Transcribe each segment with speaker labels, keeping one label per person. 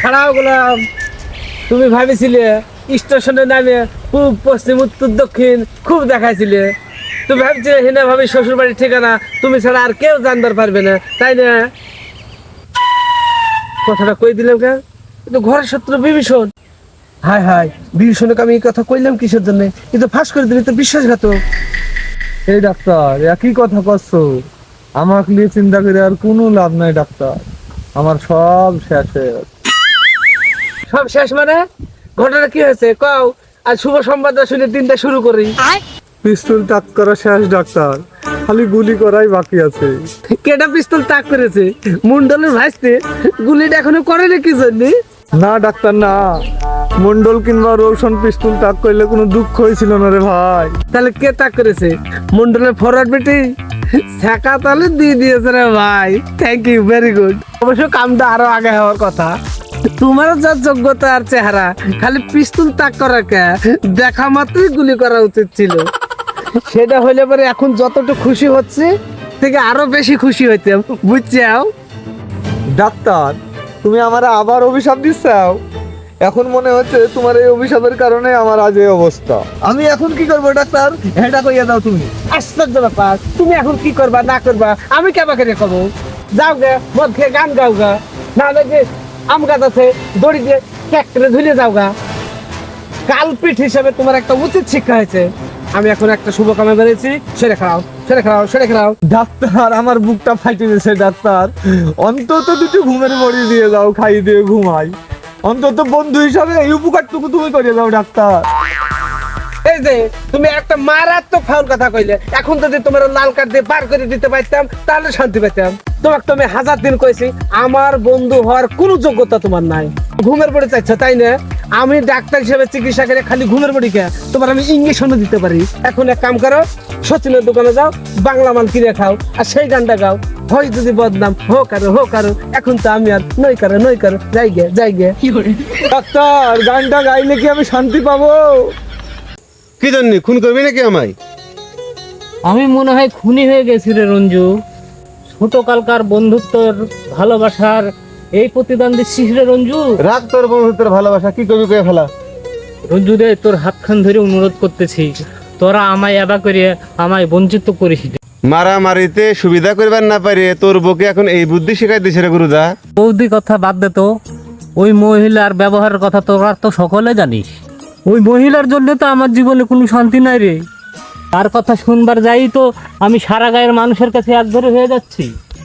Speaker 1: খারাপ গোলাম, তুমি ভাবিছিলে স্টেশনে নামে পূব পশ্চিম উত্তর দক্ষিণ খুব দেখাইছিলে। তুমি ভাবছিলে হিনা ভাবি শ্বশুর বাড়ির ঠিকানা তুমি ছাড়া আর কেউ জানতে পারবে না, তাই না? কথাটা কই দিলাম কেন? কিন্তু ঘরের শত্রু বিভীষণ। হায় হায়, বিভীষণকে আমি এই কথা কইলাম কিসের জন্য? কিন্তু ফাঁস করে দিবি তো বিশ্বাসঘাতক।
Speaker 2: এই ডাক্তার একই কথা করছো, আমাকে নিয়ে চিন্তা করে আর কোনো লাভ নাই ডাক্তার, আমার সব শেষ হয়ে গেছে।
Speaker 1: সব শেষ মানে? ঘটনা কি হয়েছে কও, আর শুভ সংবাদটা শুনে দিনটা শুরু করি।
Speaker 2: পিস্তল টাচ করা শেষ ডাক্তার, খালি গুলি করাই বাকি আছে।
Speaker 1: কেটা পিস্তল তাক করেছে? মুন্ডলের ভাইস্তে। গুলিটা এখনো করেনি কি জন্য?
Speaker 2: না ডাক্তার না, মন্ডল কিংবা রোশন পিস্তল টাক করলে কোনো দুঃখ হয়েছিল না রে ভাই।
Speaker 1: তাহলে কে তাক করেছে? মন্ডলের ফরওয়ার্ড বেটি ছেকা তাহলে দিয়ে দিয়েছে রে ভাই। Thank you, very good. অবশ্য কামটা আরো আগে হওয়ার কথা। তোমার যা যোগ্যতা আর চেহারা, খালি পিস্তল তাক করা কে, দেখা মাত্রই গুলি করা উচিত ছিল। সেটা হইলে পরে এখন যতটুকু খুশি হচ্ছে থেকে আরো বেশি খুশি হইতাম, বুঝছাও?
Speaker 2: ডাক্তার তুমি আমার আবার অভিশাপ দিচ্ছাও? এখন মনে হচ্ছে তোমার এই অভিশাপের কারণে আমার আজ এই অবস্থা। আমি এখন কি করবো ডাক্তার, এটা কইয়া দাও তুমি।
Speaker 1: আশ্চর্য ব্যাপার, তুমি এখন কি করবা না করবা আমি কেবাকে রে কব? যাও গে মদ খেয়ে গান গাও গা, নাহলে যে আম গাছ আছে দড়ি দিয়ে ট্র্যাক্টরে ঝুলে যাও গা। কালপিঠ হিসেবে তোমার একটা উচিত শিক্ষা হয়েছে। আমি এখন একটা শুভ কামে বেরিয়েছি, সেরে খাও সেরে খাও সেরে খাও।
Speaker 2: ডাক্তার আমার বুকটা ফাইটে গেছে ডাক্তার, অন্তত দুটো ঘুমের বড়ি দিয়ে দাও, খাই দিয়ে ঘুমাই। অন্তত বন্ধু হিসাবে এই উপকারটুকু তুমি করে দাও ডাক্তার।
Speaker 1: এই যে তুমি একটা মারাত্মক ফাউল কথা কইলে, এখন যদি তোমার লাল কার্ড দিয়ে বার করে দিতে পারতাম তাহলে শান্তি পেতাম। তোমাকে তো আমি হাজার দিন কইছি আমার বন্ধু হওয়ার কোনো যোগ্যতা তোমার নাই। ঘুমের বড়ি চাইছো তাই না? আমি ডাক্তার হিসেবে চিকিৎসা করে খালি ঘুমের বড়ি কে, তোমার আমি ইঞ্জেকশনও দিতে পারি। এখন এক কাম করো, সচিনের দোকানে যাও, বাংলা মাল কিনে খাও আর সেই গানটা গাও। হয় যদি বদনাম হোক আরো। এখন তো আমি আর নই কারো যাই গে।
Speaker 2: ডাক্তার গানটা গাইলে কি আমি শান্তি পাবো?
Speaker 3: কি জন্য খুন করবি নাকি আমায়?
Speaker 4: আমি মনে হয় খুনি হয়ে গেছি রে রঞ্জু। ছোটকালকার বন্ধুত্বর ভালোবাসার এই প্রতিদান দিচ্ছিস রে রঞ্জু।
Speaker 3: রাগ তোর বন্ধুত্বের ভালোবাসা, কি করবি কয়ে ফেলা।
Speaker 4: রঞ্জু রে, তোর হাতখান ধরে অনুরোধ করতেছি, তোরা আমায় এবা করে আমায় বঞ্চিত করিস রে।
Speaker 3: মারামারিতে সুবিধা করবার না পারে তোর বউকে এখন এই বুদ্ধি শেখাই দিছে রে গুরুদা।
Speaker 4: বৌদি কথা বাদ দে তো, ওই মহিলার ব্যবহারের কথা তোরা তো সকলে জানিস। ওই মহিলার জন্য তো আমার জীবনে কোনো শান্তি নাই রে। তার কথা শুনবার যাই তো আমি সারা গায়ের মানুষের কাছে একধরে হয়ে যাচ্ছি।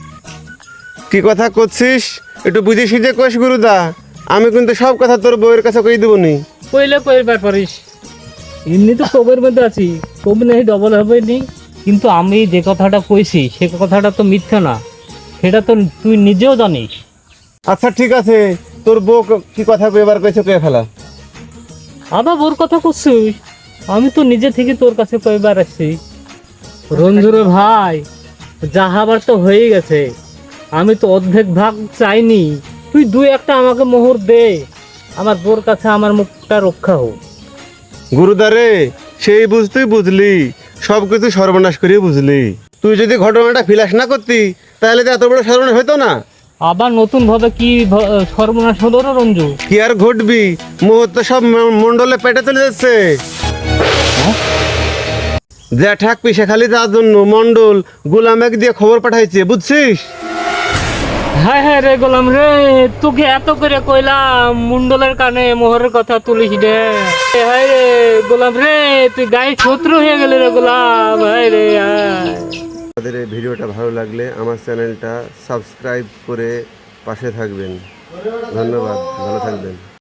Speaker 3: কি কথা করছিস একটু বুঝে সুঝে কোষ গুরুদা, আমি কিন্তু সব কথা তোর বউয়ের কাছে কই দেবনি।
Speaker 4: কইলে কইবার পারিস, এমনি তো কবের মধ্যে আছি, কবি নাহি ডবল হবে নি। কিন্তু আমি যে কথাটা কইছি সে কথাটা তো মিথ্যা না, সেটা তো তুই নিজেও জানিস।
Speaker 3: আচ্ছা ঠিক আছে, তোর বউ কি কথা কইবার কইছে কয়ে ফেলা।
Speaker 4: আবার ওর কথা করছিস? আমি তো নিজে থেকে তোর কাছে কইবার আসছি। রঞ্জুরে ভাই, যাহাবার তো হয়ে গেছে, আমি তো অর্ধেক ভাগ চাইনি। তুই দুই একটা আমাকে মোহর দে, আমার বোর কাছে আমার মুখটা রক্ষা হোক।
Speaker 3: গুরুদা রে, সেই বুঝতেই বুঝলি, সব কিছু সর্বনাশ করে বুঝলি। তুই যদি ঘটনাটা ফিলাস না করতি তাহলে তো এত বড় সর্বনাশ হতো না।
Speaker 4: আবার নতুন ভাবে কি সর্বনাশ হলো রে রঞ্জু?
Speaker 3: কি আর ঘটবি, মুহূর্ত সব মন্ডলে পেটে চলে যাচ্ছে। জ্যাঠাক পিসা খালি তার জন্য মন্ডল গোলামেক দিয়ে খবর পাঠাইছে, বুঝছিস?
Speaker 4: হ্যাঁ হ্যাঁ রে গোলাম রে, তোকে এত করে কইলাম মুন্ডলের কানে মোহরের কথা তুলিস রে। হায় রে গোলাম রে, তুই গায়ে শত্রু হয়ে গেলি রে গোলাম। হায় রে হায়।
Speaker 3: আমাদের এই ভিডিওটা ভালো লাগলে আমার চ্যানেলটা সাবস্ক্রাইব করে পাশে থাকবেন। ধন্যবাদ, ভালো থাকবেন।